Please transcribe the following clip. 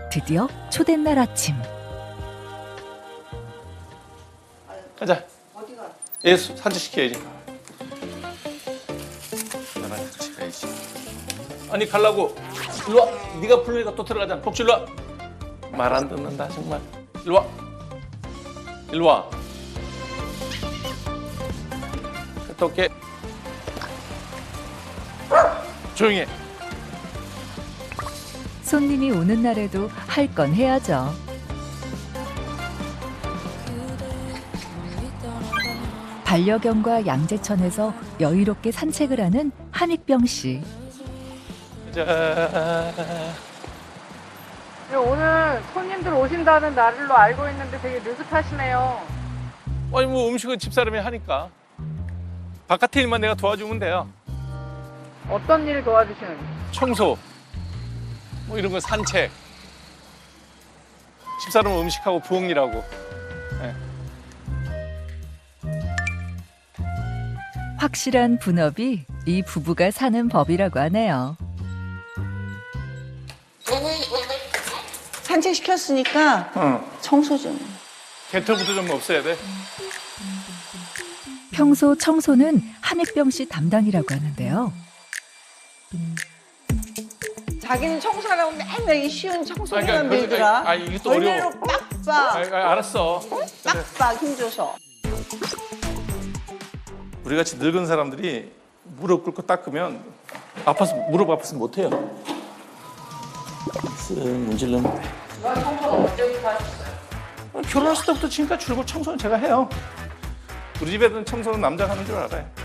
드디어 초된 날 아침. 가자. 어디가? 얘 산책시켜야지. 나랑 같이 가야지. 아니 가려고. 일로 와. 네가 부르니까 또 들어가잖아. 복주 일로 와. 말 안 듣는다 정말. 일로 와. 일로 와. 갔다 올게. 조용히 해. 손님이 오는 날에도 할 건 해야죠. 반려견과 양재천에서 여유롭게 산책을 하는 한익병 씨. 자. 오늘 손님들 오신다는 날로 알고 있는데 되게 느긋하시네요. 아니 뭐 음식은 집사람이 하니까. 바깥에 일만 내가 도와주면 돼요. 어떤 일 도와주시는지. 청소. 뭐 이런 거 산책. 집사람은 음식하고 부엌일하고. 네. 확실한 분업이 이 부부가 사는 법이라고 하네요. 산책시켰으니까 청소 좀. 개털부터 좀 없애야 돼. 평소 청소는 한익병 씨 담당이라고 하는데요. 자기는 청소하라고 맨날 이 쉬운 청소기만 그러니까, 밀더라. 아니, 이게 또 어려워. 벌레로 빡빡, 알았어. 빡빡 힘줘서. 우리 같이 늙은 사람들이 무릎 꿇고 닦으면 무릎 아파서 못 해요. 쓱 문질르면 돼. 청소는 언제부터 하셨어요? 결혼했을 때부터 지금까지 줄곧 청소는 제가 해요. 우리 집에는 청소는 남자가 하는 줄 알아요.